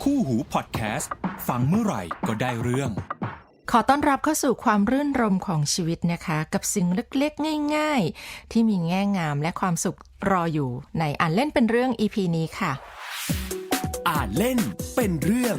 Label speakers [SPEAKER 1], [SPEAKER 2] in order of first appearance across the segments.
[SPEAKER 1] คู่หูพอดแคสต์ฟังเมื่อไหร่ก็ได้เรื่อง
[SPEAKER 2] ขอต้อนรับเข้าสู่ความรื่นรมของชีวิตนะคะกับสิ่งเล็กๆง่ายๆที่มีแง่งามและความสุขรออยู่ในอ่านเล่นเป็นเรื่อง EP นี้ค่ะ
[SPEAKER 1] อ่านเล่นเป็นเรื่อง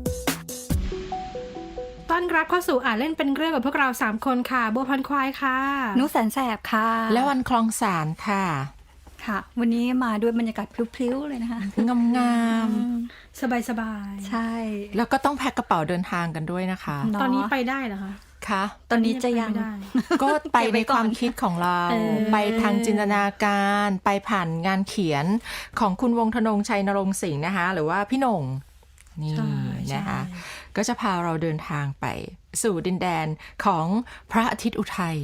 [SPEAKER 3] ต้อนรับเข้าสู่อ่านเล่นเป็นเรื่องกับพวกเรา3คนค่ะบัวพันควายค่ะ
[SPEAKER 4] นุแสนแสบค่ะ
[SPEAKER 2] และวันคลองสารค่ะ
[SPEAKER 4] ค่ะวันนี้มาด้วยบรรยากาศพลิ้วๆเลยนะคะ
[SPEAKER 2] งาม
[SPEAKER 3] สบาย
[SPEAKER 4] ๆใช่
[SPEAKER 2] แล้วก็ต้องแพ็คกระเป๋าเดินทางกันด้วยนะคะ
[SPEAKER 3] ตอนนี้ไปได้เหรอคะ
[SPEAKER 2] คะ
[SPEAKER 4] ตอนนี้จะยัง
[SPEAKER 2] ก็ไปในความคิดของเราไปทางจินตนาการไปผ่านงานเขียนของคุณวงธนงชัยนรงค์สิงห์นะคะหรือว่าพี่หน่งนี่นะคะก็จะพาเราเดินทางไปสู่ดินแดนของพระอาทิตย์อุทัย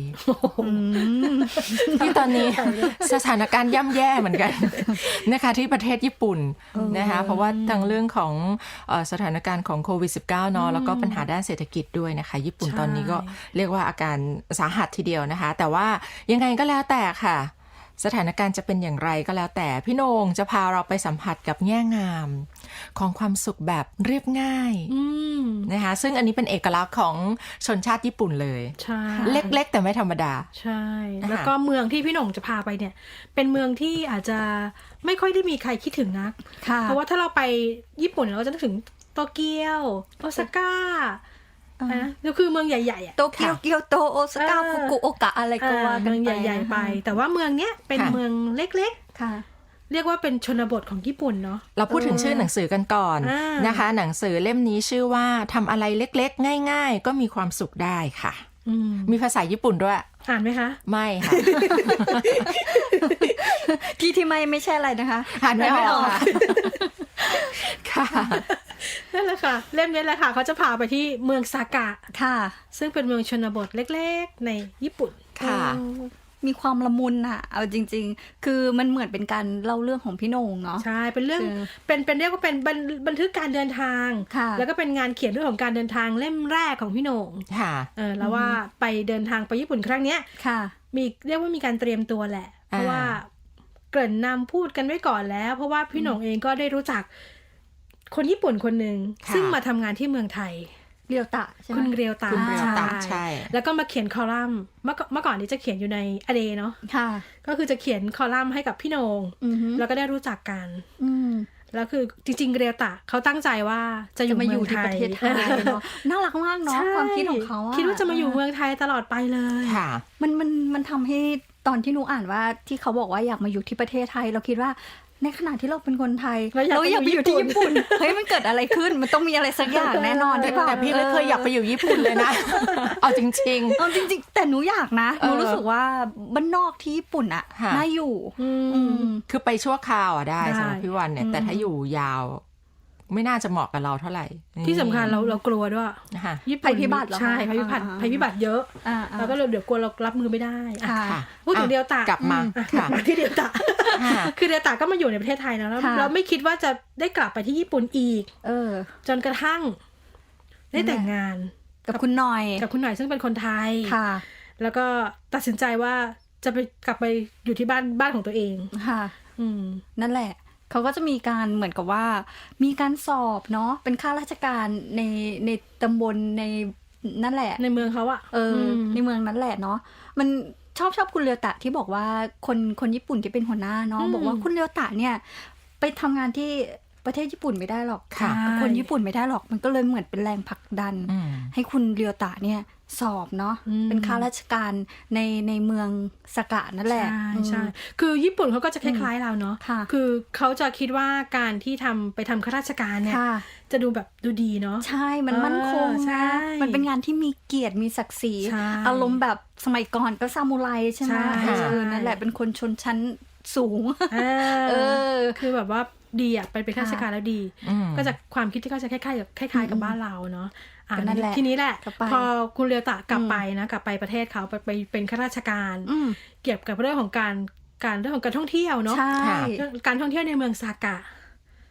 [SPEAKER 2] ที่ตอนนี้สถานการณ์ย่ำแย่เหมือนกันนะคะที่ประเทศญี่ปุ่นนะคะเพราะว่าทั้งเรื่องของสถานการณ์ของโควิด -19 เนาะแล้วก็ปัญหาด้านเศรษฐกิจด้วยนะคะญี่ปุ่นตอนนี้ก็เรียกว่าอาการสาหัสทีเดียวนะคะแต่ว่ายังไงก็แล้วแต่ค่ะสถานการณ์จะเป็นอย่างไรก็แล้วแต่พี่โหน่งจะพาเราไปสัมผัสกับแง่งามของความสุขแบบเรียบง่ายนะคะซึ่งอันนี้เป็นเอกลักษณ์ของชนชาติญี่ปุ่นเลย
[SPEAKER 3] ใช่
[SPEAKER 2] เล็กๆแต่ไม่ธรรมดา
[SPEAKER 3] ใช่แล้วก็เมืองที่พี่หน่งจะพาไปเนี่ยเป็นเมืองที่อาจจะไม่ค่อยได้มีใครคิดถึงนักเพราะว่าถ้าเราไปญี่ปุ่นเราจะนึกถึงโตเกียวโอซาก้านะก็คือเมืองใหญ่ๆ
[SPEAKER 4] โตเกียวเกียวโตโอซาก้าฟุกุโอกะอะไรก็ว่ากันไป
[SPEAKER 3] เมืองใหญ่ๆไปแต่ว่าเมืองเนี้ยเป็นเมืองเล็กๆ
[SPEAKER 4] ค่ะ
[SPEAKER 3] เรียกว่าเป็นชนบทของญี่ปุ่นเนาะ
[SPEAKER 2] เราพูดถึงชื่อหนังสือกันก่อนนะคะหนังสือเล่มนี้ชื่อว่าทำอะไรเล็กๆง่ายๆก็มีความสุขได้ค่ะมีภาษาญี่ปุ่นด้วย
[SPEAKER 3] อ่านไหมคะ
[SPEAKER 2] ไม่ค่ะ
[SPEAKER 4] ที่ไม่ใช่อะไรนะคะ
[SPEAKER 2] อ่านไม่ออกค่ะ
[SPEAKER 3] นั่นแหละค่ะเล่มนี้แหละค่ะเขาจะพาไปที่เมืองซากะ
[SPEAKER 4] ค่ะ
[SPEAKER 3] ซึ่งเป็นเมืองชนบทเล็กๆในญี่ปุ่น
[SPEAKER 4] ค่ะมีความละมุนอะเอาจริงๆคือมันเหมือนเป็นการเล่าเรื่องของพี่โหน่งเนาะ
[SPEAKER 3] ใช่เป็นเรื่องเป็นเรียกว่าเป็นบันทึกการเดินทางแล้วก็เป็นงานเขียนเรื่องของการเดินทางเล่มแรกของพี่โหน่ง
[SPEAKER 2] ค่ะ
[SPEAKER 3] แล้วว่าไปเดินทางไปญี่ปุ่นครั้งเนี้ย
[SPEAKER 4] ค่ะ
[SPEAKER 3] มีเรียกว่ามีการเตรียมตัวแหละเพราะว่าเกริ่นนำพูดกันไว้ก่อนแล้วเพราะว่าพี่โหน่งเองก็ได้รู้จักคนญี่ปุ่นคนหนึ่งซึ่งมาทำงานที่เมืองไทย
[SPEAKER 4] เรียวตะใช่ไหม
[SPEAKER 3] คุณเรียวตะ
[SPEAKER 2] ใช่
[SPEAKER 3] แล้วก็มาเขียนคอลัมน์เมื่อก่อนนี้จะเขียนอยู่ในอเดเนาะ
[SPEAKER 4] ค่ะ
[SPEAKER 3] ก็คือจะเขียนคอลัมน์ให้กับพี่โหน่งแล้วก็ได้รู้จักกันแล้วคือจริงๆเรียวตะเขาตั้งใจว่าจะอยู่มาอยู่ที่ประเทศไทย
[SPEAKER 4] เนาะน่ารักมากเนาะความคิดของเขา
[SPEAKER 3] คิดว่าจะมาอยู่เมืองไทยตลอดไปเลย
[SPEAKER 2] ค่ะ
[SPEAKER 4] มันทำให้ตอนที่หนูอ่านว่าที่เขาบอกว่าอยากมาอยู่ที่ประเทศไทยเราคิดว่าในขณะที่เราเป็นคนไทยเราอยากไปอยู่ที่ญี่ปุ่นเฮ้ยมันเกิดอะไรขึ้นมันต้องมีอะไรสักอย่างแน่นอนได้ป่ะ
[SPEAKER 2] แต่พี่ไม่เคยอยากไปอยู่ญี่ปุ่นเลยนะเอาจริง
[SPEAKER 4] ๆแต่หนูอยากนะหนูรู้สึกว่าบ้านนอกที่ญี่ปุ่นอะน่าอยู่
[SPEAKER 2] คือไปชั่วคราวได้สำหรับพี่วันเนี่ยแต่ถ้าอยู่ยาวไม่น่าจะเหมาะกับเราเท่าไหร่
[SPEAKER 3] ที่สำคัญเรากลัวด้วย
[SPEAKER 4] ญี่ปุ่นภัยพิบัติ
[SPEAKER 3] ใช่ภัยพิบัติเยอะแล้วก็เดี๋ยวกลัวเรารับมือไม่ได้พูดถึงเดียวตาก
[SPEAKER 2] ลับมา
[SPEAKER 3] ที่เดียวตาคือเดียวตาก็มาอยู่ในประเทศไทยแล้วเราไม่คิดว่าจะได้กลับไปที่ญี่ปุ่นอีกจนกระทั่งได้แต่งงาน
[SPEAKER 4] กับคุณหน่อย
[SPEAKER 3] ซึ่งเป็นคนไทยแล้วก็ตัดสินใจว่าจะไปกลับไปอยู่ที่บ้านของตัวเอง
[SPEAKER 4] ค่ะนั่นแหละเขาก็จะมีการเหมือนกับว่ามีการสอบเนาะเป็นข้าราชการในตำบลในนั่นแหละ
[SPEAKER 3] ในเมืองเขาอะ
[SPEAKER 4] ในเมืองนั้นแหละเนาะมันชอบคุณเรียวตะที่บอกว่าคนญี่ปุ่นที่เป็นหัวหน้าเนาะบอกว่าคุณเรียวตะเนี่ยไปทำงานที่ประเทศญี่ปุ่นไม่ได้หรอกคนญี่ปุ่นไม่ได้หรอกมันก็เลยเหมือนเป็นแรงผลักดันให้คุณเรียวตะเนี่ยสอบเนาะเป็นข้าราชการในเมืองสากะนั่นแหละ
[SPEAKER 3] ใช่คือญี่ปุ่นเขาก็จะคล้ายๆเราเนาะคือเขาจะคิดว่าการที่ไปทำข้าราชการเนี่ยจะดูแบบดูดีเนาะ
[SPEAKER 4] ใช่มันมั่นคงนะมันเป็นงานที่มีเกียรติมีศักดิ์ศรีอารมณ์แบบสมัยก่อนก็ซามูไรใช่ไหมนั่นแหละเป็นคนชนชั้นสูง
[SPEAKER 3] คือแบบว่าดีอ่ะเป็นข้าราชการแล้วดีก็จะความคิดที่เขาจะคล้ายๆกับบ้านเราเนาะทีนี้แหละพอคุณเรียวตะกลับไปประเทศเขาไปเป็นข้าราชการเกี่ยวกับเรื่องของการท่องเที่ยวเนาะการท่องเที่ยวในเมืองซากะ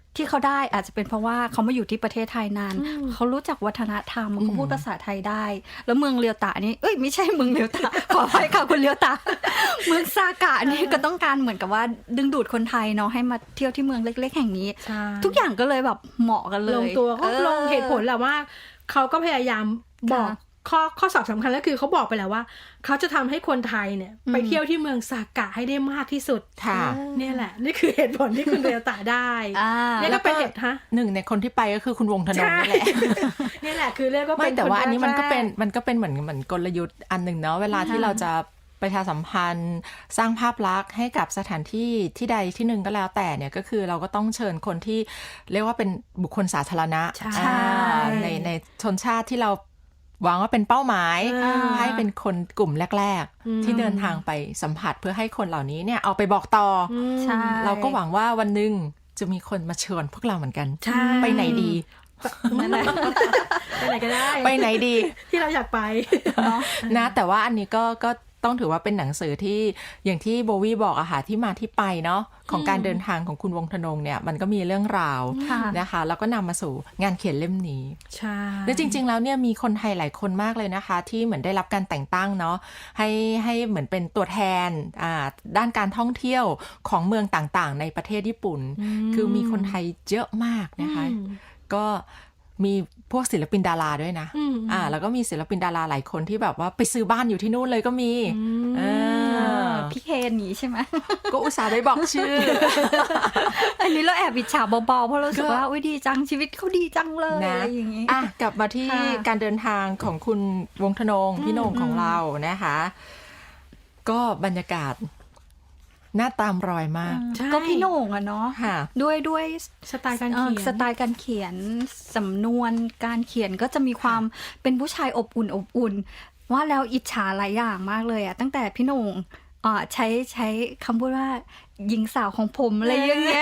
[SPEAKER 4] ที่เขาได้อาจจะเป็นเพราะว่าเขามาอยู่ที่ประเทศไทยนานเขารู้จักวัฒนธรรมเขาพูดภาษาไทยได้แล้วเมืองเรียวตะนี่ไม่ใช่เมืองเรียวตะ ขออภัยค่ะคุณเรียวตะ เมืองซากะนี่ก็ต้องการเหมือนกับว่าดึงดูดคนไทยเนาะให้มาเที่ยวที่เมืองเล็กๆแห่งนี้
[SPEAKER 3] ใช่
[SPEAKER 4] ทุกอย่างก็เลยแบบเหมาะกันเลย
[SPEAKER 3] ลงตัวเขาลงเหตุผลแหละว่าเขาก็พยายามบอกข้อสอบสำคัญก็คือเขาบอกไปแล้วว่าเขาจะทำให้คนไทยเนี่ยไปเที่ยวที่เมืองซากะให้ได้มากที่สุด
[SPEAKER 2] ค่ะ
[SPEAKER 3] เนี่ยแหละนี่คือเหตุผลที่คุณเรียวตะได้เนี่ยก็เป็นเหตุ
[SPEAKER 2] หนึ่งในคนที่ไปก็คือคุณวงธนงนี่แหละ
[SPEAKER 3] นี่แหละคือเรียกว่าเป็น
[SPEAKER 2] ไม่แต่ว่าอันนี้มันก็เป็นเหมือนกลยุทธ์อันหนึ่งเนาะเวลาที่เราจะประชาสัมพันธ์สร้างภาพลักษณ์ให้กับสถานที่ที่ใดที่หนึ่งก็แล้วแต่เนี่ยก็คือเราก็ต้องเชิญคนที่เรียกว่าเป็นบุคคลสาธารณะในชนชาติที่เราหวังว่าเป็นเป้าหมายให้เป็นคนกลุ่มแรกๆที่เดินทางไปสัมผัสเพื่อให้คนเหล่านี้เนี่ยเอาไปบอกต่อเราก็หวังว่าวันหนึ่งจะมีคนมาเชิญพวกเราเหมือนกันไปไหนดี
[SPEAKER 3] ไปไหนก็ได้
[SPEAKER 2] ไปไหนดี
[SPEAKER 3] ที่เราอยากไป
[SPEAKER 2] นะแต่ว่าอันนี้ก็ต้องถือว่าเป็นหนังสือที่อย่างที่โบวี่บอกอะค่ะที่มาที่ไปเนาะของการเดินทางของคุณวงธนงเนี่ยมันก็มีเรื่องราวนะคะแล้วก็นำมาสู่งานเขียนเล่มนี้
[SPEAKER 3] ใช่
[SPEAKER 2] และจริงๆแล้วเนี่ยมีคนไทยหลายคนมากเลยนะคะที่เหมือนได้รับการแต่งตั้งเนาะให้เหมือนเป็นตัวแทนด้านการท่องเที่ยวของเมืองต่างๆในประเทศญี่ปุ่นคือมีคนไทยเยอะมากนะคะก็มีพวกศิลปินดาราด้วยนะแล้วก็มีศิลปินดาราหลายคนที่แบบว่าไปซื้อบ้านอยู่ที่นู่นเลยก็มี
[SPEAKER 4] พี่เคนนี้ใช่ไหม
[SPEAKER 2] ก็อุตส่าห์ได้บอกชื่อ
[SPEAKER 4] อันนี้เราแอบอิจฉาเบาๆเพราะรู้สึกว่าดีจังชีวิตเขาดีจังเลยนะอย่างนี้
[SPEAKER 2] กลับมาที่การเดินทางของคุณวงธนงพี่โหน่งของเรานะคะก็บรรยากาศหน้าตามรอยมาก
[SPEAKER 4] ก็พี่โหน่งอะเนาะด้วย
[SPEAKER 3] สไตล์การเ
[SPEAKER 4] ขียนสำนวนการเขียนก็จะมีความเป็นผู้ชายอบอุ่นว่าแล้วอิจฉาหลายอย่างมากเลยอะตั้งแต่พี่โหน่งใช้คำพูดว่าหญิงสาวของผมอะไรอย่างเงี้ย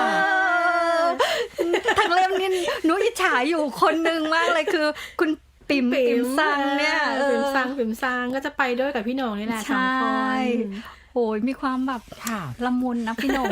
[SPEAKER 4] ทั้งเล่มนี่หนูอิจฉาอยู่คนนึงมากเลยคือคุณปิ่มซังเนี่ย
[SPEAKER 3] ปิ่มซังก็จะไปด้วยกับพี่โหน่งนี่แหละสองคน
[SPEAKER 4] โอ้ยมีความแบบละมุนนะพี่โหน่ง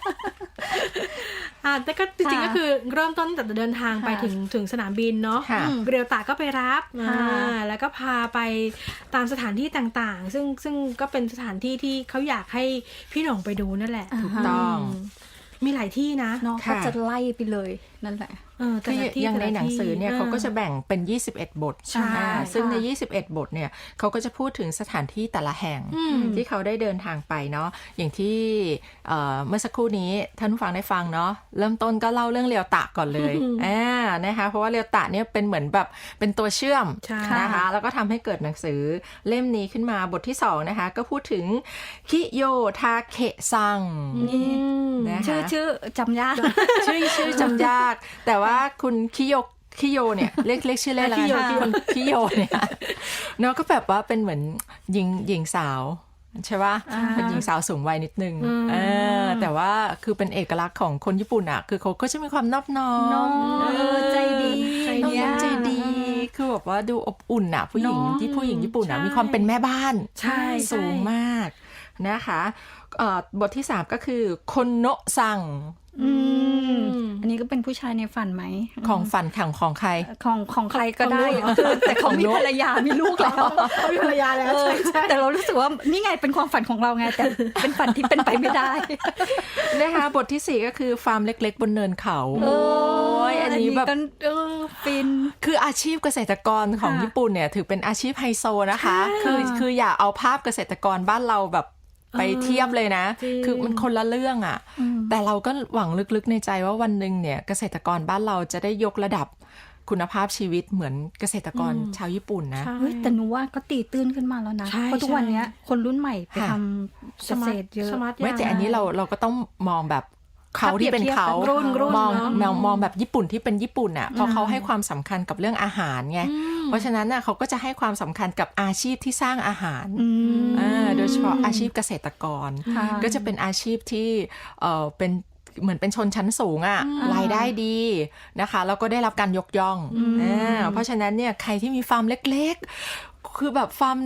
[SPEAKER 3] แต่ก็จริงๆก็คือเริ่มต้นแต่เดินทางไปถึงสนามบินเนาะเรียวตะก็ไปรับแล้วก็พาไปตามสถานที่ต่างๆซึ่งก็เป็นสถานที่ที่เขาอยากให้พี่โหน่งไปดูนั่นแหละ
[SPEAKER 2] ถูกต้อง
[SPEAKER 3] มีหลายที่นะ
[SPEAKER 4] เนาะก็จะไล่ไปเลยนั่นแหละ
[SPEAKER 2] คืออย่างในหนังสือเนี่ยเขาก็จะแบ่งเป็น21บทซึ่งใน21บทเนี่ยเขาก็จะพูดถึงสถานที่แต่ละแห่งที่เขาได้เดินทางไปเนาะอย่างที่เมื่อสักครู่นี้ท่านผู้ฟังได้ฟังเนาะเริ่มต้นก็เล่าเรื่องเรียวตะก่อนเลยนะคะเพราะว่าเรียวตะเนี่ยเป็นเหมือนแบบเป็นตัวเชื่อมนะคะแล้วก็ทำให้เกิดหนังสือเล่มนี้ขึ้นมาบทที่2นะคะก็พูดถึงคิโยทาเคะซัง
[SPEAKER 4] ชื่อจำยาก
[SPEAKER 2] ชื่อจำยากแต่ว่าคุณคิโยเนี่ยเรียกชื่อเล่นแล้วกันคนคิโยเนี่ยเนาะก็แบบว่าเป็นเหมือนหญิงสาวใช่ป่ะเป็นหญิงสาวสูงวัยนิดนึงแต่ว่าคือเป็นเอกลักษณ์ของคนญี่ปุ่นอ่ะคือเขาก็จะมีความนอบน้อม
[SPEAKER 4] ใจดี
[SPEAKER 2] ใจดีคือแบบว่าดูอบอุ่นอ่ะผู้หญิงญี่ปุ่นอ่ะมีความเป็นแม่บ้านสูงมากนะคะบทที่3ก็คือคนโนะซัง
[SPEAKER 4] อันนี้ก็เป็นผู้ชายในฝันไหม
[SPEAKER 2] ของฝันของใคร
[SPEAKER 4] ของใครก็ได้แต่เขามีภรรยามีลูกแล้ว
[SPEAKER 3] เขามีภรรยาแล้วใช่
[SPEAKER 4] แต่เรารู้สึกว่านี่ไงเป็นความฝันของเราไงแต่เป็นฝันที่เป็นไปไม่ได้
[SPEAKER 2] นะคะบทที่4ก็คือฟาร์มเล็กๆบนเนินเขาอันนี้แบบ
[SPEAKER 4] ฟิน
[SPEAKER 2] คืออาชีพเกษตรกรของญี่ปุ่นเนี่ยถือเป็นอาชีพไฮโซนะคะคืออย่าเอาภาพเกษตรกรบ้านเราแบบไปเทียบเลยนะคือมันคนละเรื่องอ่ะแต่เราก็หวังลึกๆในใจว่าวันหนึ่งเนี่ยเกษตรกรบ้านเราจะได้ยกระดับคุณภาพชีวิตเหมือนเกษตรกรชาวญี่ปุ่นนะ
[SPEAKER 4] แต่หนูว่าก็ตีตื้นขึ้นมาแล้วนะเพราะทุกวันนี้คนรุ่นใหม่ไปทำเกษตรเยอะ
[SPEAKER 2] ไม่แต่อันนี้เราก็ต้องมองแบบเขาที่เป็นเขามองแบบญี่ปุ่นที่เป็นญี่ปุ่นอ่ะเพราะเขาให้ความสำคัญกับเรื่องอาหารไงเพราะฉะนั้นน่ะเขาก็จะให้ความสำคัญกับอาชีพที่สร้างอาหารโดยเฉพาะอาชีพเกษตรกรก็จะเป็นอาชีพที่เป็นเหมือนเป็นชนชั้นสูงอ่ะรายได้ดีนะคะแล้วก็ได้รับการยกย่องเพราะฉะนั้นเนี่ยใครที่มีฟาร์มเล็กๆคือแบบฟาร์มเล็ก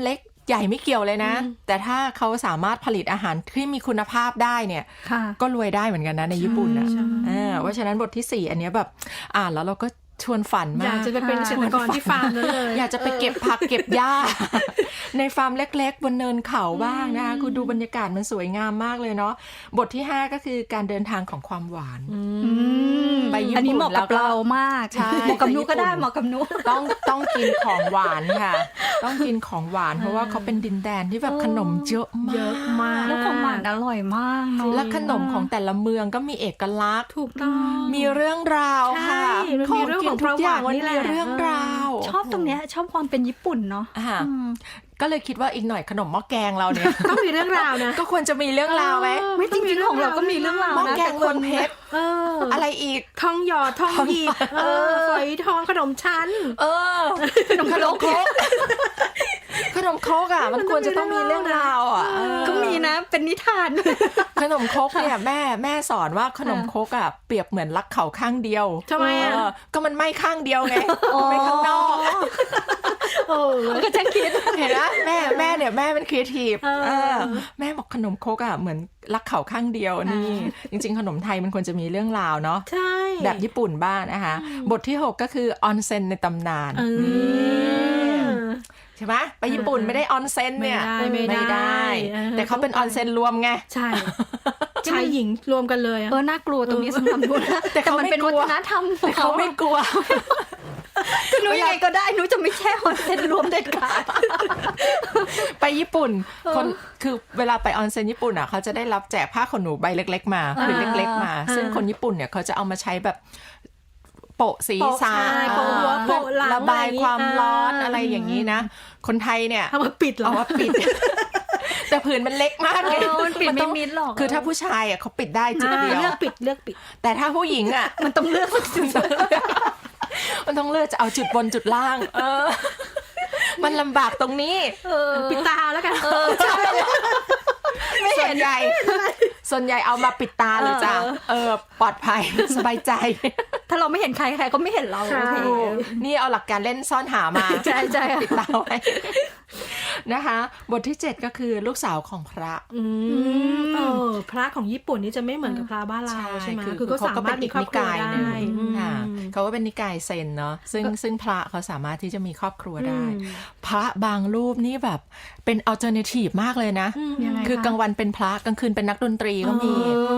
[SPEAKER 2] ใหญ่ไม่เกี่ยวเลยนะ แต่ถ้าเขาสามารถผลิตอาหารที่มีคุณภาพได้เนี่ย
[SPEAKER 4] ค่ะ
[SPEAKER 2] ก็รวยได้เหมือนกันนะในญี่ปุ่นนะเพราะฉะนั้นบทที่ 4 อันเนี้ยแบบอ่านแล้วเราก็ชวนฝันมาก
[SPEAKER 3] อยากจะไปเป็นเกษตรกรที่ฟาร์มนั้นเลย
[SPEAKER 2] อยากจะไปเก็บผักเก็บหญ้า ในฟาร์มเล็กๆบนเนินเขาบ้างนะคะคือดูบรรยากาศมันสวยงามมากเลยเนาะบทที่ 5 ก็คือการเดินทางของความหวานไปญี่ปุ่น
[SPEAKER 4] อันนี้เหมาะกับเรามาก
[SPEAKER 2] ใช่
[SPEAKER 4] เหมาะกับนุก็ได้
[SPEAKER 2] ไปญี่ปุ่น
[SPEAKER 4] เหมาะกับนุ
[SPEAKER 2] ต้องกินของหวานค่ะ ต้องกินของหวานเพราะว่าเขาเป็นดินแดนที่แบบขนมเยอะมาก
[SPEAKER 3] เยอะมาก
[SPEAKER 4] แล้วของหวานอร่อยมากเนาะ
[SPEAKER 2] และขนมของแต่ละเมืองก็มีเอกลักษณ์
[SPEAKER 3] ถูกต้อง
[SPEAKER 2] มีเรื่องราวค่ะ
[SPEAKER 3] ใช่มันมีเรื่องของ
[SPEAKER 2] ทุกอย่าง
[SPEAKER 3] ประวัติ
[SPEAKER 2] มัน
[SPEAKER 3] นี่แหละ
[SPEAKER 2] มีเรื่องราว
[SPEAKER 4] ชอบตรงเนี้ยชอบความเป็นญี่ปุ่นเนาะ
[SPEAKER 2] อ่ะก็เลยคิดว่าอีกหน่อยขนมหม้อแกงเราเนี่ย
[SPEAKER 3] ต้องมีเรื่องราวนะ
[SPEAKER 2] ก็ควรจะมีเรื่องราวไหม
[SPEAKER 4] ไม่จริงๆของเราก็มีเรื่องราว
[SPEAKER 2] หม้อ
[SPEAKER 4] นะ
[SPEAKER 2] แกงเมืองเพชร
[SPEAKER 3] เออ
[SPEAKER 2] อะไรอีก
[SPEAKER 3] ทองหยอดทองหยิบฝอยทองขนมชั้น
[SPEAKER 2] ขนมครกขนมครกอ่ะมันควรจะต้องมีเรื่องราวอ่ะ
[SPEAKER 4] ก็มีนะเป็นนิทาน
[SPEAKER 2] ขนมครกเนี่ยแม่สอนว่าขนมครกอ่ะเปรียบเหมือนรักเขาข้างเดียว
[SPEAKER 3] ทำไมอ่ะ
[SPEAKER 2] ก็มันไม่ข้างเดียวไงไม่ข้างนอก
[SPEAKER 3] โอ้
[SPEAKER 4] ก็จะคิด
[SPEAKER 2] เห็นนะแม่เนี่ยแม่เป็นครีเอทีฟแม่บอกขนมครกอ่ะเหมือนรักเขาข้างเดียวนี่จริงๆขนมไทยมันควรจะมีเรื่องราวเนาะ
[SPEAKER 3] ใช่
[SPEAKER 2] แบบญี่ปุ่นบ้างนะคะบทที่ 6 ก็คือออนเซ็นในตำนานใช่ไหมไปญี่ปุ่นไม่ได้ออนเซ็นเนี่ย
[SPEAKER 3] ไม่ได้
[SPEAKER 2] แต่เขาเป็นออนเซ็นรวมไง
[SPEAKER 3] ใช่ชายหญิงรวมกันเลยอะ
[SPEAKER 4] น่ากลัวตรงนี้สำหรับนุนะ
[SPEAKER 2] แต่เขา
[SPEAKER 4] มัน
[SPEAKER 2] ไม่
[SPEAKER 4] เป็น
[SPEAKER 2] กลั
[SPEAKER 4] วั
[SPEAKER 2] ว
[SPEAKER 4] ฒนธรรมของ
[SPEAKER 2] เขาไม่กลัว
[SPEAKER 4] นุยังไงก็ได้นุจะไม่แช่ฮอนเซ็นรวมเด็ดขาด
[SPEAKER 2] ไปญี่ปุ่นคนคือเวลาไปออนเซ็นญี่ปุ่นอ่ะเขาจะได้รับแจกผ้าขนหนูใบเล็กๆมาผืนเล็กๆมาซึ่งคนญี่ปุ่นเนี่ยเขาจะเอามาใช้แบบโปะศีรษะ
[SPEAKER 3] โปะหัวโปะหลัง
[SPEAKER 2] ระบายความร้อนอะไรอย่างนี้นะคนไทยเนี่ย
[SPEAKER 3] เอามาปิดเหรอ
[SPEAKER 2] เอาว่าปิด แต่ผืนมันเล็กมากเลย
[SPEAKER 4] มันปิดไม่มิดหรอก
[SPEAKER 2] คือถ้าผู้ชายอ่ะเขาปิดได้จุดเดียว
[SPEAKER 3] เลือกปิด
[SPEAKER 2] แต่ถ้าผู้หญิงอ่ะ
[SPEAKER 4] มันต้องเลือกสักจุด
[SPEAKER 2] มันต้องเลือกจะเอาจุดบนจุดล่าง มันลำบากตรงนี้
[SPEAKER 3] ปิดตาแล้วกัน
[SPEAKER 2] ส่วนใหญ่เอามาปิดตาเลยจ้ะปลอดภัยสบายใจ
[SPEAKER 4] ถ้าเราไม่เห็นใครใครก็ไม่เห็นเรา
[SPEAKER 3] ใช่
[SPEAKER 4] โอเค
[SPEAKER 2] นี่เอาหลักการเล่นซ่อนหามา
[SPEAKER 4] ใช่
[SPEAKER 2] ปิดตาไว้นะคะ บทที่ 7 ก็คือลูกสาวของพระ
[SPEAKER 3] พระของญี่ปุ่นนี่จะไม่เหมือนกับพระบ้านเราใช่ไหมคือก็สามารถมีครอบครัวได้
[SPEAKER 2] ค่ะเขาก็เป็นนิกายเซนเนาะซึ่งพระเขาสามารถที่จะมีครอบครัวได้ พระบางรูปนี่แบบเป็นอัลเทอร์เนทีฟมากเลยนะ คือกลางวันเป็นพระกลางคืนเป็นนักดนตรีก็มี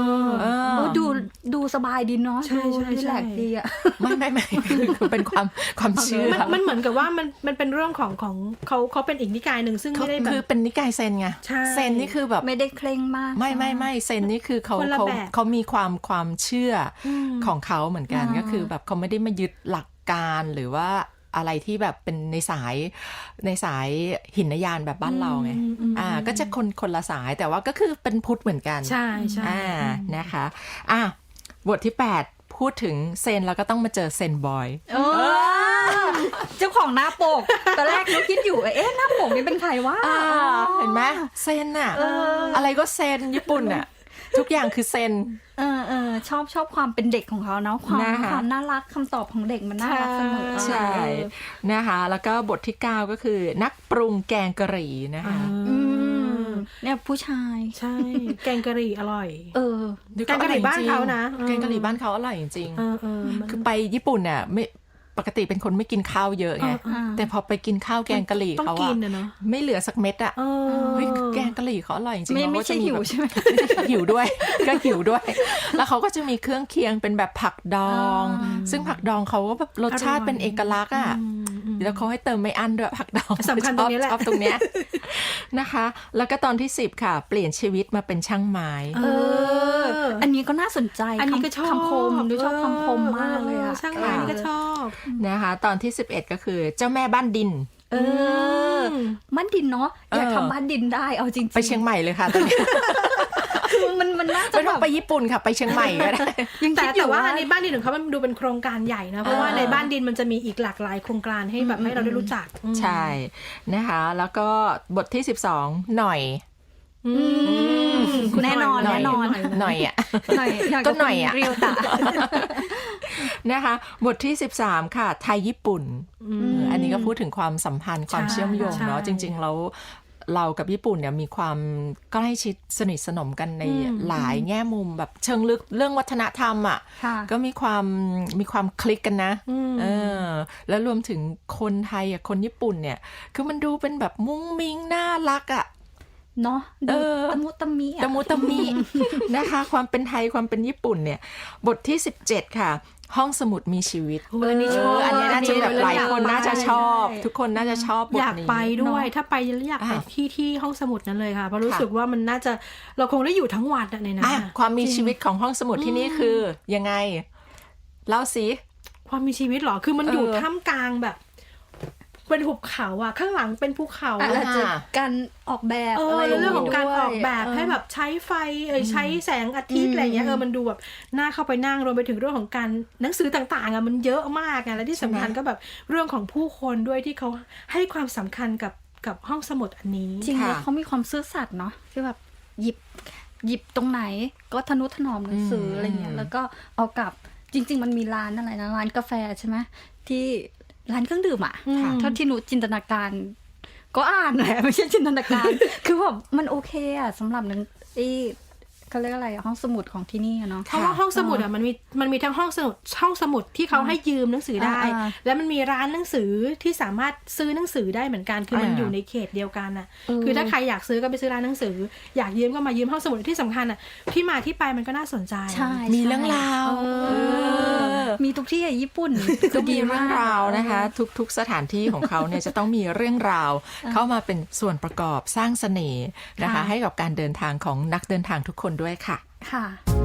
[SPEAKER 4] ดูสบายดีเนาะ
[SPEAKER 3] ใช่
[SPEAKER 4] ดูรีแลกซ์ดีอ่ะ
[SPEAKER 2] ไม่คือเป็นความเชื่อ
[SPEAKER 3] มันเหมือนกับว่ามันเป็นเรื่องของเขาเป็นอีกนิกายหนึ่งซึ่งไม่ได้แบบ
[SPEAKER 2] คือเป็นนิกายเซนไง
[SPEAKER 3] ใช่
[SPEAKER 2] เซนนี่คือแบบ
[SPEAKER 4] ไม่ได้เคร่งมาก
[SPEAKER 2] ไม่เซนนี่คือเขา
[SPEAKER 3] คนละแบบ
[SPEAKER 2] เขามีความเชื่อของเขาเหมือนกันก็คือแบบเขาไม่ได้มายึดหลักการหรือว่าอะไรที่แบบเป็นในสายหินยานแบบบ้านเราไงก็จะคนละสายแต่ว่าก็คือเป็นพุทธเหมือนกัน
[SPEAKER 3] ใช่
[SPEAKER 2] นะคะบทที่ 8 พูดถึงเซนแล้วก็ต้องมาเจอเซนบอย
[SPEAKER 4] เจ้าของหน้าปกตอนแรกนุคิดอยู่หน้าปกนี่เป็นใครวะ
[SPEAKER 2] เห็นไหมเซนอะอะไรก็เซนญี่ปุ่นอะทุกอย่างคือเซน
[SPEAKER 4] ชอบความเป็นเด็กของเขาเนาะความน่ารักคำตอบของเด็กมันน่ารักเสมอ
[SPEAKER 2] ใช่นะคะแล้วก็บทที่ 9 ก็คือนักปรุงแกงกะหรี่นะคะ
[SPEAKER 4] เนี่ยผู้ชาย
[SPEAKER 3] ใช่แกงกะหรี่อร่อย
[SPEAKER 2] แกงกะหรี่บ้านเขานะแกงกะหรี่บ้านเขาอร่อยจริงๆคือไปญี่ปุ่นเนี่ยไม่ปกติเป็นคนไม่กินข้าวเยอะไงแต่พอไปกินข้าวแกงกะหรี่เขาอะไม่เหลือสักเม็ดอะเฮ้ยแกงกะหรี่เขาอร่อยจริงๆ
[SPEAKER 4] ไม่ใช่หิวใช่ไหม
[SPEAKER 2] หิวด้วยก็หิวด้วยแล้วเขาก็จะมีเครื่องเคียงเป็นแบบผักดองซึ่งผักดองเขาก็แบบรสชาติเป็นเอกลักษณ์อะแล้วเขาให้เติมไม่อั้นด้วยผักดอง
[SPEAKER 3] สำคัญตรงนี้แหละ
[SPEAKER 2] ชอบตรงเนี้ยนะคะแล้วก็ตอนที่ 10ค่ะเปลี่ยนชีวิตมาเป็นช่างไม้
[SPEAKER 4] อันนี้ก็น่าสนใจ
[SPEAKER 3] อันนี้ก็ชอบ
[SPEAKER 4] คำคมดูชอบคำคมมากเลยอะ
[SPEAKER 3] ช่างไม้นี่ก็ชอบ
[SPEAKER 2] นะคะตอนที่ 11ก็คือเจ้าแม่บ้านดิน
[SPEAKER 4] บ้านดินเนาะอยากทำบ้านดินได้เอาจริงๆ
[SPEAKER 2] ไปเชียงใหม่เลยค่ะตอนนี้
[SPEAKER 4] คือมันน่าจะ
[SPEAKER 2] ไม่ต้องไปญี่ปุ่นค่ะไปเชียงใหม่ก็ได้
[SPEAKER 3] แต่ว่าอันนี้บ้านดินของเขามันดูเป็นโครงการใหญ่นะเพราะว่าในบ้านดินมันจะมีอีกหลากหลายโครงการให้แบบให้เราได้รู้จัก
[SPEAKER 2] ใช่นะคะแล้วก็บทที่12หน่อย
[SPEAKER 4] แน่นอน
[SPEAKER 2] หน่อยอ่ะก็หน่อยอ่ะ
[SPEAKER 4] เรียวตา
[SPEAKER 2] นะคะบทที่13ค่ะไทยญี่ปุ่นอันนี้ก็พูดถึงความสัมพันธ์ความเชื่อมโยงเนาะจริงๆแล้วเรากับญี่ปุ่นเนี่ยมีความใกล้ชิดสนิทสนมกันในหลายแง่มุมแบบเชิงลึกเรื่องวัฒนธรรมอ่ะก็มีความคลิกกันนะแล้วรวมถึงคนไทยอ่ะคนญี่ปุ่นเนี่ยคือมันดูเป็นแบบมุ้งมิ้งน่ารักอ่ะ
[SPEAKER 4] เนาะดูตะมุตะมิ
[SPEAKER 2] นะคะความเป็นไทยความเป็นญี่ปุ่นเนี่ยบทที่17ค่ะห้องสมุดมีชีวิต
[SPEAKER 3] อันนี้ชอบ
[SPEAKER 2] อันนี้น่าจะแบบหลายคนน่าจะชอบทุกคนน่าจะชอบบทนี้
[SPEAKER 3] อยากไปด้วยถ้าไปอยากไปที่ห้องสมุดนั้นเลยค่ะเพราะรู้สึกว่ามันน่าจะเราคงได้อยู่ทั้งวันในนั้น
[SPEAKER 2] ความมีชีวิตของห้องสมุดที่นี่คือยังไงเล่าสิ
[SPEAKER 3] ความมีชีวิตหรอคือมันอยู่ท่ามกลางแบบเป็นหุบเขาอ่ะข้างหลังเป็นภูเขา
[SPEAKER 4] อาจจะการออกแบบอะไร
[SPEAKER 3] เรื่องของการออกแบบให้แบบใช้ไฟใช้แสงอาทิตย์อะไรเงี้ยมันดูแบบน่าเข้าไปนั่งรวมไปถึงเรื่องของการหนังสือต่างๆอ่ะมันเยอะมากไงและที่สำคัญก็แบบเรื่องของผู้คนด้วยที่เขาให้ความสำคัญกับห้องสมุดอันนี้
[SPEAKER 4] จริงๆเขามีความซื่อสัตย์เนาะที่แบบหยิบตรงไหนก็ทนุถนอมหนังสืออะไรเงี้ยแล้วก็เอากลับจริงๆมันมีร้านอะไรนะร้านกาแฟใช่ไหมที่ร้านเครื่องดื่มอ่ะเท่าที่หนูจินตนาการก็อ่านแหละไม่ใช่จินตนาการ คือแบบมันโอเคอ่ะสำหรับหนังเขาเรียกอะไรห้องสมุดของที่นี่เนาะ
[SPEAKER 3] เพราะว่าห้องสมุดอ่ะมันมีทั้งห้องสมุดที่เขาให้ยืมหนังสือได้แล้วมันมีร้านหนังสือที่สามารถซื้อหนังสือได้เหมือนกันคือมันอยู่ในเขตเดียวกันอ่ะคือถ้าใครอยากซื้อก็ไปซื้อร้านหนังสืออยากยืมก็มายืมห้องสมุดที่สำคัญอ่ะที่มาที่ไปมันก็น่าสนใจ
[SPEAKER 2] มีเรื่องราว
[SPEAKER 4] มีทุกที่ญี่ปุ่น
[SPEAKER 2] ก็มีเรื่องราวนะคะทุกสถานที่ของเขาเนี่ยจะต้องมีเรื่องราวเข้ามาเป็นส่วนประกอบสร้างเสน่ห์นะคะให้กับการเดินทางของนักเดินทางทุกคนด้วยค่ะ
[SPEAKER 4] ค่ะ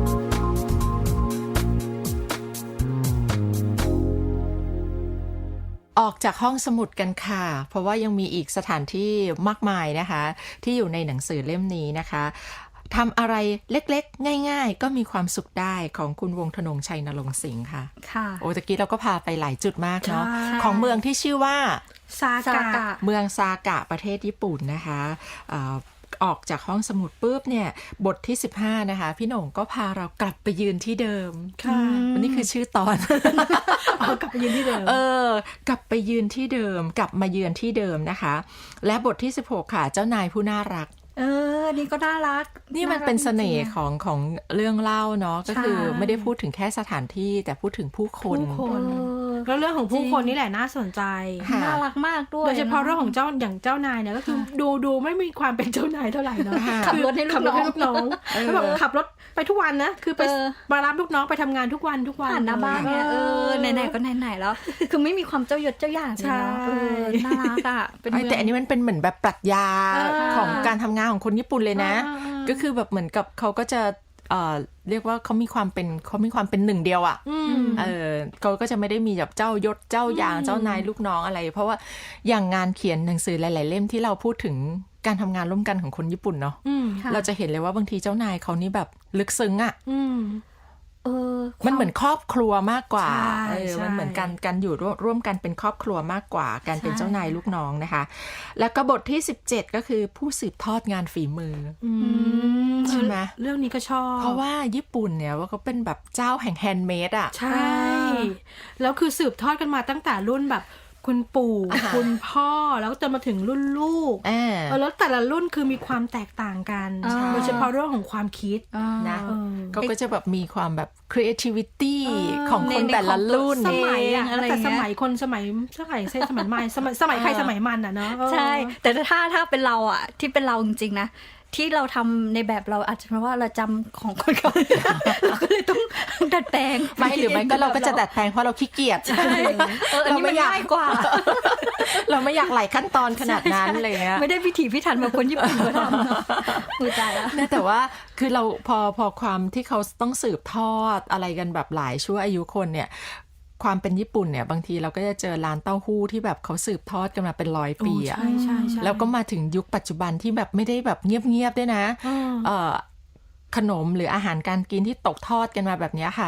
[SPEAKER 2] ออกจากห้องสมุดกันค่ะเพราะว่ายังมีอีกสถานที่มากมายนะคะที่อยู่ในหนังสือเล่มนี้นะคะทำอะไรเล็กๆง่ายๆก็มีความสุขได้ของคุณวงศ์ธนงชัยนรงค์สิงห์ค่ะโอ้ตะกี้เราก็พาไปหลายจุดมากเนาะของเมืองที่ชื่อว่า
[SPEAKER 3] ซากะ
[SPEAKER 2] เมืองซากะประเทศญี่ปุ่นนะคะออกจากห้องสมุดปุ๊บเนี่ยบทที่15นะคะพี่โหน่งก็พาเรากลับไปยืนที่เดิมวันนี้คือชื่อตอน
[SPEAKER 3] กลับไปยืนที่เดิม
[SPEAKER 2] กลับไปยืนที่เดิมกลับมาเยือนที่เดิมนะคะและบทที่16ค่ะเจ้านายผู้น่ารัก
[SPEAKER 4] นี่ก็น่ารัก
[SPEAKER 2] นี่มันเป็นเสน่ห์ของเรื่องเล่าเนาะก็คือไม่ได้พูดถึงแค่สถานที่แต่พูดถึงผู้คน
[SPEAKER 3] แล้วเรื่องของผู้คนนี่แหละน่าสนใจ
[SPEAKER 4] น่ารักมากด้วย
[SPEAKER 3] โดยเฉพาะเรื่องของอย่างเจ้านายเนี่ยก็คือดูไม่มีความเป็นเจ้านายเท่าไหร่เนาะ
[SPEAKER 4] ขับรถให้ลูกน้อง
[SPEAKER 3] แล้วแบบขับรถไปทุกวันนะคือไปมารับลูกน้องไปทำงานทุกวัน
[SPEAKER 4] ผ่านหน้าบ้านเนี่ยไหนๆก็ไหนๆแล้วคือไม่มีความเจ้ายศเจ้าอย่างเลยเนาะน่ารักอ่ะ
[SPEAKER 2] แต่อันนี้มันเป็นเหมือนแบบปรัชญาของการทำงานของคนญี่ปุ่นเลยนะก็คือแบบเหมือนกับเขาก็จะเรียกว่าเขามีความเป็นหนึ่งเดียวอ่ะเขาก็จะไม่ได้มีแบบเจ้ายศเจ้าอย่างเจ้านายลูกน้องอะไรเพราะว่าอย่างงานเขียนหนังสือหลายๆเล่มที่เราพูดถึงการทำงานร่วมกันของคนญี่ปุ่นเนาะเราจะเห็นเลยว่าบางทีเจ้านายเขานี่แบบลึกซึ้งอ่ะมันเหมือนครอบครัวมากกว่ามันเหมือนการอยู่ร่วมกันเป็นครอบครัวมากกว่าการเป็นเจ้านายลูกน้องนะคะแล้วก็บทที่17ก็คือผู้สืบทอดงานฝีมือใช่ไหม
[SPEAKER 3] เรื่องนี้ก็ชอบ
[SPEAKER 2] เพราะว่าญี่ปุ่นเนี่ยว่าเขาเป็นแบบเจ้าแห่งแฮนด์เมดอ่ะ
[SPEAKER 3] ใช่แล้วคือสืบทอดกันมาตั้งแต่รุ่นแบบคุณปู่คุณพ่อแล้วจนมาถึงรุ่นลูกแล้วแต่ละรุ่นคือมีความแตกต่างกันโดยเฉพาะเรื่องของความคิด
[SPEAKER 2] นะเขาก็จะแบบมีความแบบ creativity ของคนแต่ละรุ่น
[SPEAKER 3] สมัยอะแต่สมัยคนสมัยใหม่สมัยใครสมัยมันอะเนาะ
[SPEAKER 4] ใช่แต่ถ้าเป็นเราอะที่เป็นเราจริงๆนะที่เราทำในแบบเราอาจจะเพราะว่าเราจำของคนเขาเราก็เลยต้องดัดแปลง
[SPEAKER 2] ไม่หรือไม่ก็เราก็จะดัดแปลงเพราะเราขี้เกียจ
[SPEAKER 4] ใช่อันนี้มันง่ายกว่า
[SPEAKER 2] เราไม่อยากหลายขั้นตอนขนาดนั้นเลยเงี้ย
[SPEAKER 4] ไม่ได้พิถีพิถันแบบคนญี่ปุ่นเขาทำมือใจแล้ว
[SPEAKER 2] แต่ว่าคือเราพอความที่เขาต้องสืบทอดอะไรกันแบบหลายชั่วอายุคนเนี่ยความเป็นญี่ปุ่นเนี่ยบางทีเราก็จะเจอร้านเต้าหู้ที่แบบเขาสืบทอดกันมาเป็น100 ปีอ่ะแล้วก็มาถึงยุคปัจจุบันที่แบบไม่ได้แบบเงียบๆด้วยนะขนมหรืออาหารการกินที่ตกทอดกันมาแบบนี้ค่ะ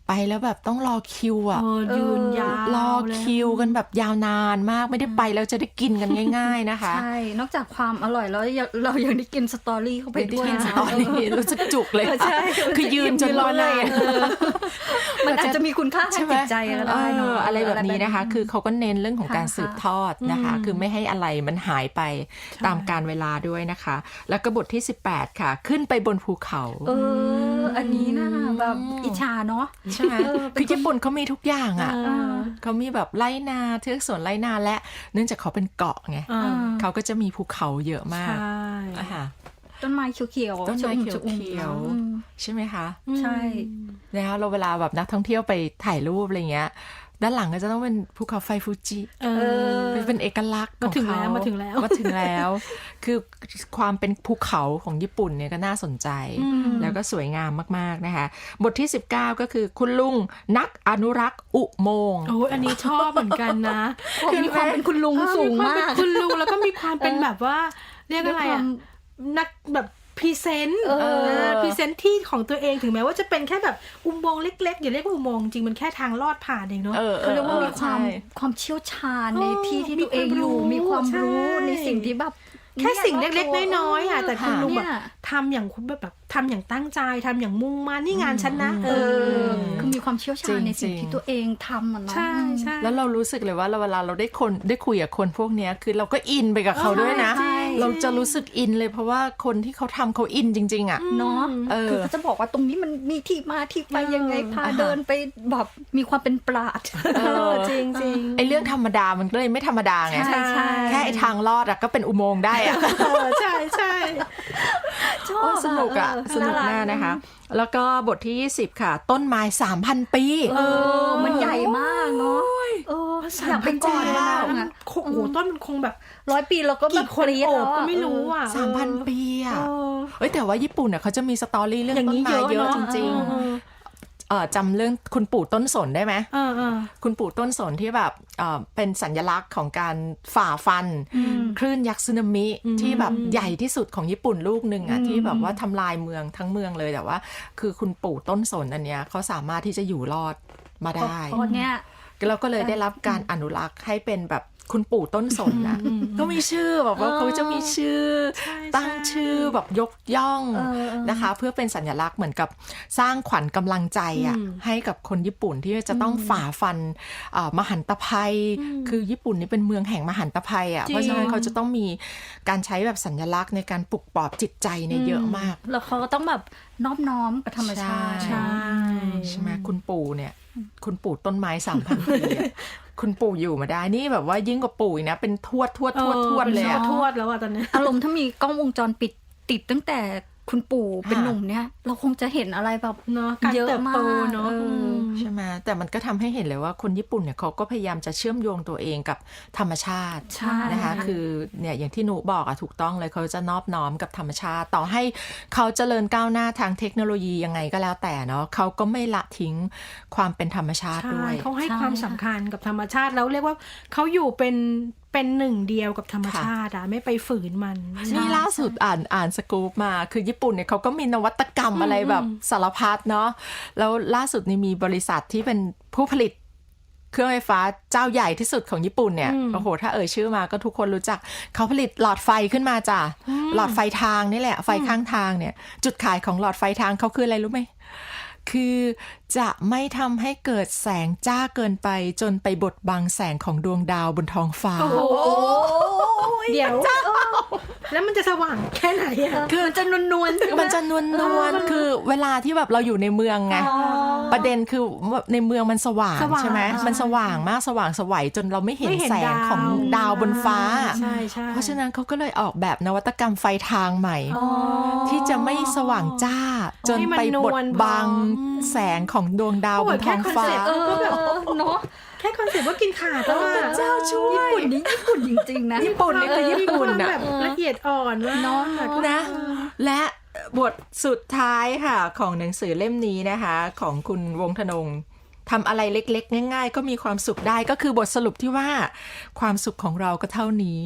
[SPEAKER 2] ไปแล้วแบบต้องรอคิวอ่ะ
[SPEAKER 3] ยืนยาว
[SPEAKER 2] รอคิวกันแบบยาวนานมากไม่ได้ไปแล้วจะได้กินกันง่ายๆนะคะ
[SPEAKER 4] ใช่ นอกจากความอร่อยแล้วเรายังได้กินสตอรี่เข้าไป
[SPEAKER 2] ไม่ได้
[SPEAKER 4] ด้วย
[SPEAKER 2] กินสตอรี่รู้สึกจุกเลย
[SPEAKER 4] ใช่
[SPEAKER 2] คือยืนจนรอนาน
[SPEAKER 4] มันอาจจะมีคุณค่าทางจิตใจก็ได้เนาะ
[SPEAKER 2] อะไรแบบนี้นะคะ คือเขาก็เน้นเรื่องของการสืบทอดนะคะ คือไม่ให้อะไรมันหายไปตามกาลเวลาด้วยนะคะ แล้วก็บทที่18ค่ะขึ้นไปบนภูเขา
[SPEAKER 4] อันนี้นะแบบอิจฉาเนาะ
[SPEAKER 2] ใช่ไหมคือญี่ปุ่นเขามีทุกอย่างอ่ะเขามีแบบไร่นาเทือกสวนไร่นาและเนื่องจากเขาเป็นเกาะไงเขาก็จะมีภูเขาเยอะมาก
[SPEAKER 3] ใช่
[SPEAKER 2] ค่ะ
[SPEAKER 4] ต้นไม้เขียวๆ
[SPEAKER 2] ต้นไม้
[SPEAKER 4] ชะอุ่ม
[SPEAKER 2] เขียวๆใช่ไหมคะ
[SPEAKER 4] ใช่
[SPEAKER 2] แล้วเราเวลาแบบนักท่องเที่ยวไปถ่ายรูปอะไรเงี้ยด้านหลังก็จะต้องเป็นภูเขาไฟฟูจิเป็นเอกลักษณ์ของเขามาถึงแล้ว คือความเป็นภูเขาของญี่ปุ่นเนี่ยก็น่าสนใจแล้วก็สวยงามมากๆนะคะบทที่19ก็คือคุณลุงนักอนุรักษ์อุโมงค์
[SPEAKER 3] โอ้อันนี้ชอบเหมือนกันนะ
[SPEAKER 4] มีความเป็นคุณลุงสูงมาก
[SPEAKER 3] คุณลุงแล้วก็มีความเป็นแบบว่าเรียกอะไรอ่ะนักแบบพรีเซนต์พรีเซนต์ที่ของตัวเองถึงแม้ว่าจะเป็นแค่แบบอุโมงค์เล็กๆอย่าเรียกว่าอุโมงค์จริงมันแค่ทางลอดผ่านเองเนาะ
[SPEAKER 4] เขาเรียกว่ามีความเชี่ยวชาญในที่ที่ตัวเองอยู่มีความรู้ในสิ่งที่แบบ
[SPEAKER 3] แค่สิ่งเล็กๆน้อยๆอ่ะแต่คุณลุงแบบทำอย่างคุณแบบทำอย่างตั้งใจทำอย่างมุ่งมั่นนี่งานฉันนะ
[SPEAKER 4] คือมีความเชี่ยวชาญในสิ่งที่ตัวเองทำอ่ะเนาะ
[SPEAKER 3] ใช่ใช่
[SPEAKER 2] แล้วเรารู้สึกเลยว่าเวลาเราได้คุยกับคนพวกนี้คือเราก็อินไปกับเขาด้วยนะเราจะรู้สึกอินเลยเพราะว่าคนที่เขาทำเขาอินจริงๆอ่ะ
[SPEAKER 4] เนาะคือเขาจะบอกว่าตรงนี้มันมีที่มาที่ไปยังไงพาเดินไปแบบมีความเป็นปราชญ์
[SPEAKER 3] จริง
[SPEAKER 2] ไอ้เรื่องธรรมดามันก็เลยไม่ธรรมดาไงแค่ไอ้ทางลอดอะก็เป็นอุโมงค์ได้อะ
[SPEAKER 3] ใช่ใช่
[SPEAKER 4] ชอบ
[SPEAKER 2] สนุกอะสนุกมากนะคะแล้วก็บทที่20ค่ะต้นไม้ 3,000 ปี
[SPEAKER 4] มันใหญ่มากเนาะอยากเป็นก่อนมากอ่ะ
[SPEAKER 3] โอ้โหต้นมันคงแบบ
[SPEAKER 4] 100 ปีแล้วก็แบบ
[SPEAKER 3] คนโอบก็ไม่รู้อ่ะ
[SPEAKER 2] 3,000 ปีอ่ะแต่ว่าญี่ปุ่นเนี่ยเขาจะมีสตอรี่เรื่องต้นไม้เยอะจริงๆจำเรื่องคุณปู่ต้นสนได้ไหมคุณปู่ต้นสนที่แบบเป็นสัญลักษณ์ของการฝ่าฟันคลื่นยักษ์สึนามิที่แบบใหญ่ที่สุดของญี่ปุ่นลูกหนึ่งอ่ะที่แบบว่าทำลายเมืองทั้งเมืองเลยแต่ว่าคือคุณปู่ต้นสนอันเนี้ยเขาสามารถที่จะอยู่รอดมาได้เราก็เลยได้รับการอนุรักษ์ให้เป็นแบบคุณปู่ต้นสนนะก็มีชื่อแบบว่าเขาจะมีชื่อตั้งชื่อแบบยกย่องนะคะเพื่อเป็นสัญลักษณ์เหมือนกับสร้างขวัญกำลังใจอ่ะให้กับคนญี่ปุ่นที่จะต้องฝ่าฟันมหันตภัยคือญี่ปุ่นนี่เป็นเมืองแห่งมหันตภัยอ่ะเพราะฉะนั้นเขาจะต้องมีการใช้แบบสัญลักษณ์ในการปลุกปลอบจิตใจเนี่ยเยอะมาก
[SPEAKER 4] แล้วเขาก็ต้องแบบนอบน้อมกับธรรมชาติ
[SPEAKER 2] ใช่ไหมคุณปู่เนี่ยคุณปู่ต้นไม้ 3,000 ปีคุณปู่อยู่มาได้นี่แบบว่ายิ่งกว่าปู่อีกนะเป็นทวดเลยอะ
[SPEAKER 3] ทวดแล้วอะตอนนี้
[SPEAKER 4] อารมณ์ถ้ามีกล้องวงจรปิดติดตั้งแต่คุณปู่เป็นหนุ่มเนี่ยเราคงจะเห็นอะไรแบบเยอะมาก
[SPEAKER 3] เนาะ
[SPEAKER 2] ใช่ไหมแต่มันก็ทำให้เห็นเลยว่าคนญี่ปุ่นเนี่ยเขาก็พยายามจะเชื่อมโยงตัวเองกับธรรมชาตินะคะคือเนี่ยอย่างที่หนูบอกอะถูกต้องเลยเขาจะนอบน้อมกับธรรมชาติต่อให้เขาเจริญก้าวหน้าทางเทคโนโลยียังไงก็แล้วแต่เนาะเขาก็ไม่ละทิ้งความเป็นธรรมชาติด้วย
[SPEAKER 3] เขาให้ความสำคัญกับธรรมชาติแล้วเรียกว่าเขาอยู่เป็นหนึ่งเดียวกับธรรมชาติไม่ไปฝืนมัน
[SPEAKER 2] นี่ล่าสุดอ่านสกู๊ปมาคือญี่ปุ่นเนี่ยเขาก็มีนวัตกรรมอะไรแบบสารพัดเนาะแล้วล่าสุดนี่มีบริษัทที่เป็นผู้ผลิตเครื่องไฟฟ้าเจ้าใหญ่ที่สุดของญี่ปุ่นเนี่ยโอ้โหถ้าชื่อมาก็ทุกคนรู้จักเขาผลิตหลอดไฟขึ้นมาจ้ะหลอดไฟทางนี่แหละไฟข้างทางเนี่ยจุดขายของหลอดไฟทางเขาคืออะไรรู้ไหมคือจะไม่ทำให้เกิดแสงจ้าเกินไปจนไปบดบังแสงของดวงดาวบนท้องฟ้า
[SPEAKER 3] เดี๋ยวแล้วมันจะสว่างแค่ไหนอ่ะ
[SPEAKER 4] คือมันจะนวล
[SPEAKER 2] คือเวลาที่แบบเราอยู่ในเมืองไงประเด็นคือในเมืองมันสว่างใช่ไหมมันสว่างมากสว่างสวัยจนเราไม่เห็นแสงของดาวบนฟ้าเพราะฉะนั้นเขาก็เลยออกแบบนวัตกรรมไฟทางใหม่ที่จะไม่สว่างจ้าจนไปบดบังแสงของดวงดาวบนท้องฟ้า
[SPEAKER 3] เนาะแค่คอนเซ็ปต์ว่ากินขาดแล้ว
[SPEAKER 2] เจ้าช่วย
[SPEAKER 4] ญี่ปุ่นนี่ญี่ปุ่นจริงๆนะ
[SPEAKER 2] ญี่ปุ่นนี่คือญี่ปุ่น
[SPEAKER 3] แบบละเอียดอ่อน
[SPEAKER 4] เนาะ
[SPEAKER 2] นะและบทสุดท้ายค่ะของหนังสือเล่มนี้นะคะของคุณวงธนงทำอะไรเล็กๆง่ายๆก็มีความสุขได้ก็คือบทสรุปที่ว่าความสุขของเราก็เท่านี้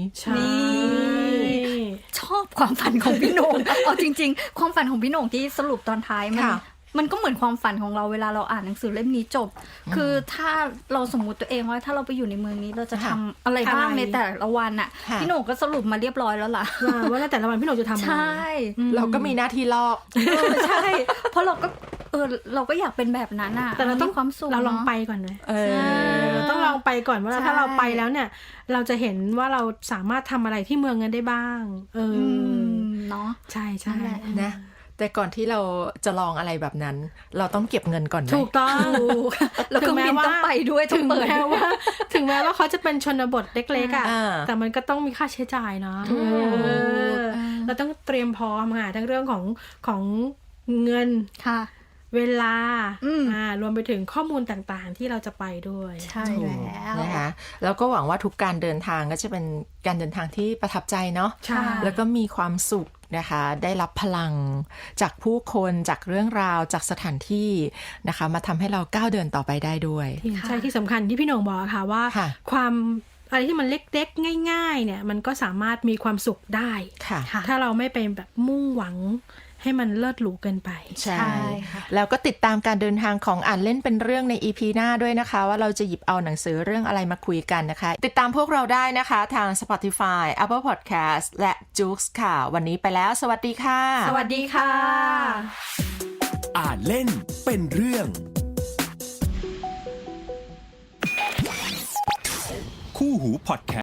[SPEAKER 4] ชอบความฝันของพี่โหน่งเอาจริงๆความฝันของพี่โหน่งที่สรุปตอนท้ายมันมันก็เหมือนความฝันของเราเวลาเราอ่านหนังสือเล่มนี้จบ คือถ้าเราสมมุติตัวเองว่าถ้าเราไปอยู่ในเมืองนี้เราจะทำอะไรบ้างในแต่ละวันอ่ะพี่โหน่งก็สรุปมาเรียบร้อยแล้วล่ะ
[SPEAKER 3] ว่าในแต่ละวันพี่โหน่งจะทำอะไร
[SPEAKER 4] ใช่
[SPEAKER 2] เราก็มีหน้าที่ลอก
[SPEAKER 4] ใช่เพราะเราก็อยากเป็นแบบนั้นอ่ะ
[SPEAKER 3] แต่เราต้อง
[SPEAKER 4] มีความสุข
[SPEAKER 3] เราลอง
[SPEAKER 4] นะ
[SPEAKER 3] ไปก่อนนะ
[SPEAKER 4] ใช่
[SPEAKER 3] เราต้องลองไปก่อนว่า
[SPEAKER 4] ใช่
[SPEAKER 3] ถ้าเราไปแล้วเนี่ย เราจะเห็นว่าเราสามารถทำอะไรที่เมืองนั้นได้บ้าง
[SPEAKER 4] เนาะ
[SPEAKER 3] ใช่ใช่
[SPEAKER 4] นั่นแหละ
[SPEAKER 2] นะแต่ก่อนที่เราจะลองอะไรแบบนั้น เราต้องเก็บเงินก่อนไหม
[SPEAKER 3] ถูกต้อง
[SPEAKER 4] แล้วเครื่องบินต้องไปด้วยต้
[SPEAKER 3] ถึ
[SPEAKER 4] อง
[SPEAKER 3] ง
[SPEAKER 4] เปิด
[SPEAKER 3] แม้ว่าถึงแม้ว่าเขาจะเป็นชนบทเล็กๆอ่ะ
[SPEAKER 2] อ่า
[SPEAKER 3] แต่มันก็ต้องมีค่าใช้จ่ายเนาะเราต้องเตรียมพร้อมค่ะทั้งเรื่องของเงิน
[SPEAKER 4] ค่ะ
[SPEAKER 3] เวลาร
[SPEAKER 4] ว
[SPEAKER 3] มไปถึงข้อมูลต่างๆ ที่เราจะไปด้วย
[SPEAKER 4] ใช่
[SPEAKER 2] ถูก
[SPEAKER 4] แล้ว
[SPEAKER 2] นะคะแล้วก็หวังว่าทุกการเดินทางก็จะเป็นการเดินทางที่ประทับใจเนาะ
[SPEAKER 3] ใช่
[SPEAKER 2] แล้วก็มีความสุขนะคะได้รับพลังจากผู้คนจากเรื่องราวจากสถานที่นะคะมาทำให้เราก้าวเดินต่อไปได้ด้วย
[SPEAKER 3] ใช่ที่สำคัญที่พี่โหน่งบอกค่ะว่า
[SPEAKER 2] ค่ะ
[SPEAKER 3] ความอะไรที่มันเล็กๆง่ายๆเนี่ยมันก็สามารถมีความสุขได้
[SPEAKER 2] ค่ะ
[SPEAKER 3] ถ้าเราไม่ไปแบบมุ่งหวังให้มันเลิศหรูเกินไป
[SPEAKER 2] ใช่
[SPEAKER 4] ใช่ค่ะ
[SPEAKER 2] แล้วก็ติดตามการเดินทางของอ่านเล่นเป็นเรื่องใน EP หน้าด้วยนะคะ ว่าเราจะหยิบเอาหนังสือเรื่องอะไรมาคุยกันนะคะ ติดตามพวกเราได้นะคะทาง Spotify Apple Podcast และ Joox ค่ะ วันนี้ไปแล้วสวัสดีค่ะ
[SPEAKER 3] สวัสดีค่ะ
[SPEAKER 1] อ่านเล่นเป็นเรื่อง คู่หูพอดแคสต์